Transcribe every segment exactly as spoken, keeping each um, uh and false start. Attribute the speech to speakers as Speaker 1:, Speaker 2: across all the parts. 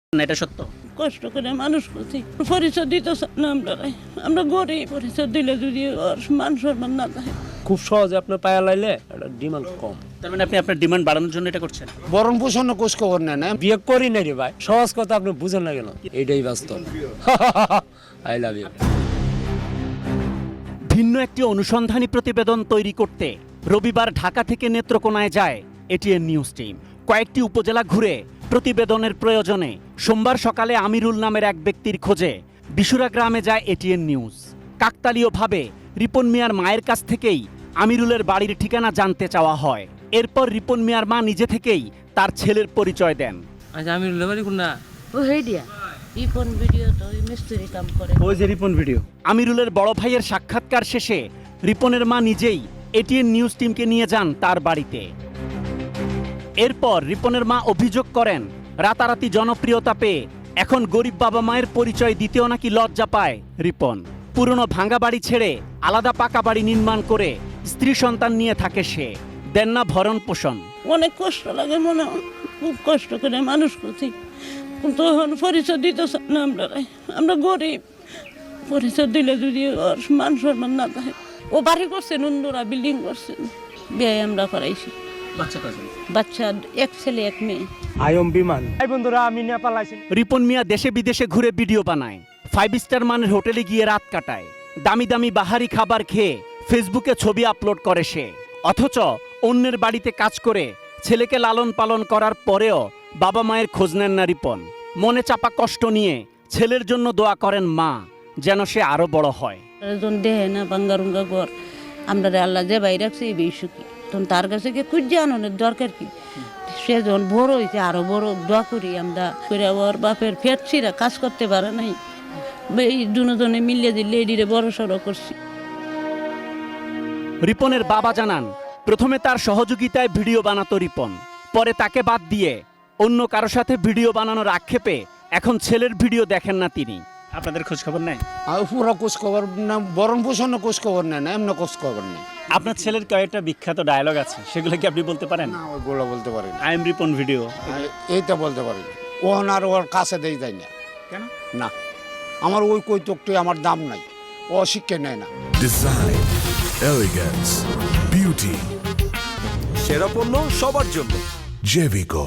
Speaker 1: না এটা সত্য?
Speaker 2: কষ্ট করে মানুষ করছি, পরিচয় দিতে না আমরা আমরা গরিব, পরিচয় দিলে যদি ওর মান সম্মান না থাকে।
Speaker 3: খুব সহজে আপনার পায়া লাইলে এটা ডিমান্ড কম।
Speaker 1: তার মানে আপনি আপনার ডিমান্ড বাড়ানোর জন্য এটা করছেন?
Speaker 3: বরং পোষণ কোষ খবর নেন না, বিয়ে করি না রে ভাই, সহজ কথা আপনি বুঝেন না কেন? এইটাই বাস্তব। I love you.
Speaker 1: ভিন্ন একটি অনুসন্ধানী প্রতিবেদন তৈরি করতে রবিবার ঢাকা থেকে নেত্রকোনায় যায় এটিএন নিউজ টিম। কয়েকটি উপজেলা ঘুরে প্রতিবেদনের প্রয়োজনে সোমবার সকালে আমিরুল নামের এক ব্যক্তির খোঁজে বিশুরা গ্রামে যায় এটিএন নিউজ। কাকতালীয়ভাবে রিপন মিয়ার মায়ের কাছ থেকেই আমিরুলের বাড়ির ঠিকানা জানতে চাওয়া হয়। এরপর রিপন মিয়ার মা নিজে থেকেই তার ছেলের পরিচয় দেন।
Speaker 3: আচ্ছা, আমিরুলের বাড়ি কোন না?
Speaker 2: ও হেডিয়া রিপন ভিডিও তো ওই মিস্ত্রি কাম করে।
Speaker 1: ওই যে রিপন ভিডিও। আমিরুলের বড় ভাইয়ের সাক্ষাৎকার শেষে রিপনের মা নিজেই এটিএন নিউজ টিমকে নিয়ে যান তার বাড়িতে। এরপর রিপনের মা অভিযোগ করেন, রাতারাতি জনপ্রিয়তা পেয়ে এখন গরিব বাবা মায়ের পরিচয় দিতেও নাকি লজ্জা পায় রিপন। পুরনো ভাঙা বাড়ি ছেড়ে আলাদা পাকা বাড়ি নির্মাণ করে স্ত্রী সন্তান নিয়ে থাকে সে। দেন না ভরণ পোষণ।
Speaker 2: অনেক কষ্ট লাগে, মনে হয় খুব কষ্ট করে মানুষ করছি, কিন্তু এখন পরিচয় দিতে না আমরা আমরা গরিব, পরিচয় দিলে যদি ওর মান সম্মান না থাকে। ও বাড়ি করছেন, অন্যরা বিল্ডিং করছেন, বিয়ে আমরা করাইছি।
Speaker 1: বাচ্চা কয়জন?
Speaker 2: বাচ্চা এক ছেলে এক মেয়ে।
Speaker 3: আয়ম বিমান। এই বন্ধুরা, আমি নেপাল আইছি।
Speaker 1: রিপন মিয়া দেশে বিদেশে ঘুরে ভিডিও বানায়, ফাইভ স্টার মানের হোটেলে গিয়ে রাত কাটায়, দামি দামি বাহারি খাবার খেয়ে ফেসবুকে ছবি আপলোড করে সে। অথচ অন্যের বাড়িতে কাজ করে ছেলেকে লালন পালন করার পরেও বাবা মায়ের খোঁজ নেন না রিপন। মনে চাপা কষ্ট নিয়ে ছেলের জন্য দোয়া করেন মা, যেন সে আরো বড় হয়।
Speaker 2: যখন দেহে না বাঙ্গারুঙ্গা ঘর, আমরা আল্লাহ যে বাইরে রাখছে এই বেশি সুখী, তখন তার কাছে গিয়ে খুঁজে আনানোর দরকার কি? সে যখন বড় হয়েছে আরো বড় দোয়া করি আমরা করে। ওর বাপের ফেটছিরা কাজ করতে পারে নাই, এই দুজনে মিলিয়ে দিলে এডিরে বড় সড়ো করছি।
Speaker 1: রিপনের বাবা জানান, প্রথমে তার সহযোগিতায় ভিডিও বানাতো রিপন, পরে তাকে বাদ দিয়ে অন্য কারো সাথে ভিডিও বানানোর আক্ষেপে এখন ছেলের ভিডিও দেখেন না তিনি। আপনাদের খোঁজ খবর নেয়?
Speaker 3: আর পুরো কোষ খবর না, বরং পোষণ কোষ খবর নেন না, এমন কোষ খবর নেই।
Speaker 1: আপনার ছেলের কয়েকটা বিখ্যাত ডায়লগ আছে, সেগুলো কি আপনি বলতে পারেন?
Speaker 3: না, ওইগুলো বলতে পারি না।
Speaker 1: আই এম রিপন ভিডিও,
Speaker 3: এইটা বলতে পারি না। ওহন আর ওর কাছে দেই যায় না।
Speaker 1: কেন?
Speaker 3: না, আমার ওই কৈতকটি আমার দাম নাই, ও শিক্ষা নেয় না।
Speaker 4: ডিজাইন, এলিগেন্স, বিউটি,
Speaker 5: সেরা পণ্য সবার জন্য
Speaker 4: জেভিকো।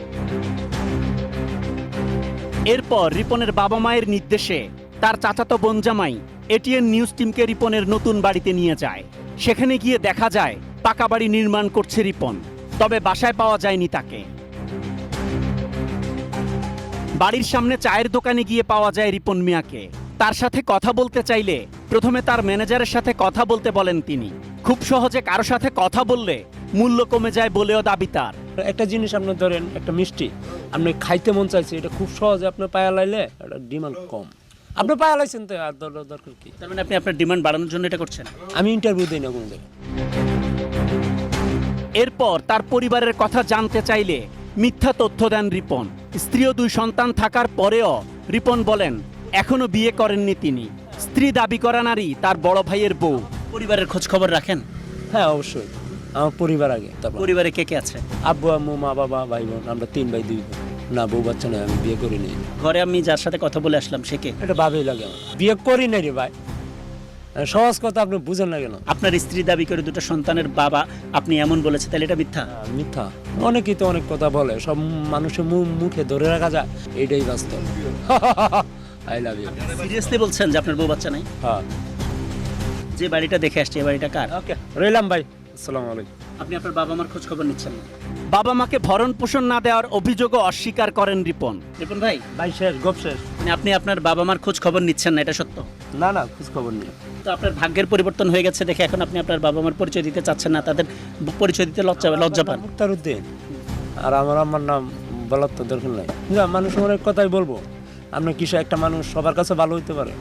Speaker 1: এরপর রিপনের বাবা মায়ের নির্দেশে তার চাচাতো বোন জামাই এটিএন নিউজ টিমকে রিপনের নতুন বাড়িতে নিয়ে যায়। সেখানে গিয়ে দেখা যায় পাকা বাড়ি নির্মাণ করছে রিপন, তবে বাসায় পাওয়া যায়নি তাকে। বাড়ির সামনে চায়ের দোকানে গিয়ে পাওয়া যায় রিপন মিয়াকে। তার সাথে কথা বলতে চাইলে প্রথমে তার ম্যানেজারের সাথে কথা বলতে বলেন তিনি। খুব সহজে কারো সাথে কথা বললে মূল্য কমে যায় বলেও দাবি তার।
Speaker 3: একটা জিনিস আপনি ধরেন, একটা মিষ্টি আপনি খাইতে মন চাইছে, এটা খুব সহজে আপনার পায়া লাইলে এটা ডিমান্ড কম। আপনি পায়া লাইছেন তো আর দরকার কি?
Speaker 1: তার মানে আপনি আপনার ডিমান্ড বাড়ানোর জন্য এটা করছেন?
Speaker 3: আমি ইন্টারভিউ দিই না কোনো জায়গায়।
Speaker 1: এরপর তার পরিবারের কথা জানতে চাইলে মিথ্যা তথ্য দেন রিপন। স্ত্রী ও দুই সন্তান থাকার পরেও রিপন বলেন এখনো বিয়ে করেননি তিনি। স্ত্রী দাবি করা নারী তার বড় ভাইয়ের বউ। পরিবারের খোঁজ খবর রাখেন?
Speaker 3: হ্যাঁ, অবশ্যই। আমার পরিবার আগে, তারপর
Speaker 1: পরিবারে কে কে আছে?
Speaker 3: আব্বু আম্মু মা বাবা ভাই বোন, আমরা তিন ভাই দুই বোন। না, বউ বাচ্চা নয়, আমি বিয়ে করি নাই।
Speaker 1: ঘরে আমি যার সাথে কথা বলে আসলাম সে কে?
Speaker 3: এটা ভাবেই লাগে আমার, বিয়ে করি নাই রে ভাই, সহজ কথা আপনি বুঝেন না কেন?
Speaker 1: আপনার স্ত্রী দাবি করে দুটো সন্তানের বাবা আপনি এমন বলেছে, তাহলে এটা মিথ্যা?
Speaker 3: আহ, মিথ্যা। অনেকেই তো অনেক কথা বলে, সব মানুষের মুখ মুখে ধরে রাখা যায়, এইটাই বাস্তব। I love you.
Speaker 1: সিরিয়াসলি বলছেন যে আপনার বউ বাচ্চা নাই?
Speaker 3: হ্যাঁ।
Speaker 1: যে বাড়িটা দেখে আসছে এই বাড়িটা কার?
Speaker 3: ওকে, রইলাম ভাই, আসসালামু আলাইকুম।
Speaker 1: আপনি আপনার বাবা মার খোঁজ খবর নিচ্ছেন না? বাবা মাকে ভরণ পোষণ না দেওয়ার অভিযোগও অস্বীকার করেন রিপন। রিপন ভাই,
Speaker 3: ভাই শেষ, গপ শেষ।
Speaker 1: মানে আপনি আপনার বাবা মার খোঁজ খবর নিচ্ছেন না, এটা সত্য?
Speaker 3: না না, খোঁজ খবর নেই।
Speaker 1: তো আপনার ভাগ্যের পরিবর্তন হয়ে গেছে দেখে এখন আপনি আপনার বাবা মার পরিচয় দিতে চাচ্ছেন না, তাদের পরিচয় দিতে লজ্জা লজ্জা পান?
Speaker 3: মুক্তারউদ্দিন। আর আমার আমার নাম বলার তো দরকার নাই। না, মানুষ অনেক কথাই বলবো, আপনি কিছু একটা মানুষ সবার কাছে ভালো হইতে পারে।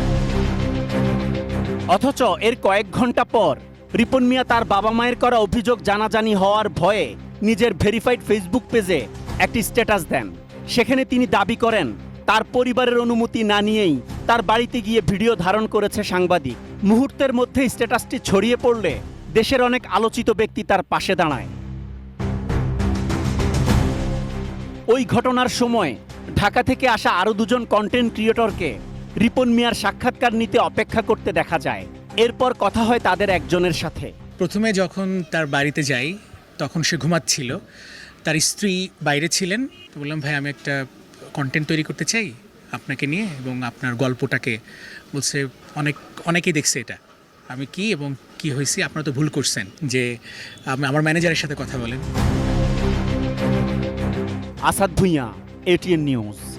Speaker 1: অথচ এর কয়েক ঘন্টা পর রিপন মিয়া তার বাবা মায়ের করা অভিযোগ জানাজানি হওয়ার ভয়ে নিজের ভেরিফাইড ফেসবুক পেজে একটি স্ট্যাটাস দেন। সেখানে তিনি দাবি করেন তার পরিবারের অনুমতি না নিয়েই তার বাড়িতে গিয়ে ভিডিও ধারণ করেছে সাংবাদিক। মুহূর্তের মধ্যে স্ট্যাটাসটি ছড়িয়ে পড়লে দেশের অনেক আলোচিত ব্যক্তি তার পাশে দাঁড়ায়। ওই ঘটনার সময় ঢাকা থেকে আসা আরও দুজন কন্টেন্ট ক্রিয়েটরকে রিপন মিয়ার সাক্ষাৎকার নিতে অপেক্ষা করতে দেখা যায়। এরপর কথা হয় তাদের একজনের সাথে।
Speaker 6: প্রথমে যখন তার বাড়িতে যাই তখন সে ঘুমাচ্ছিল, তার স্ত্রী বাইরে ছিলেন। তো বললাম, ভাই আমি একটা কন্টেন্ট তৈরি করতে চাই আপনাকে নিয়ে এবং আপনার গল্পটাকে। বলছে অনেক অনেকেই দেখছে এটা। আমি কি এবং কি হয়েছি, আপনারা তো ভুল করছেন, যে আমি আমার ম্যানেজারের সাথে কথা বলেন।
Speaker 1: Asad Bhuiyan, ATN news.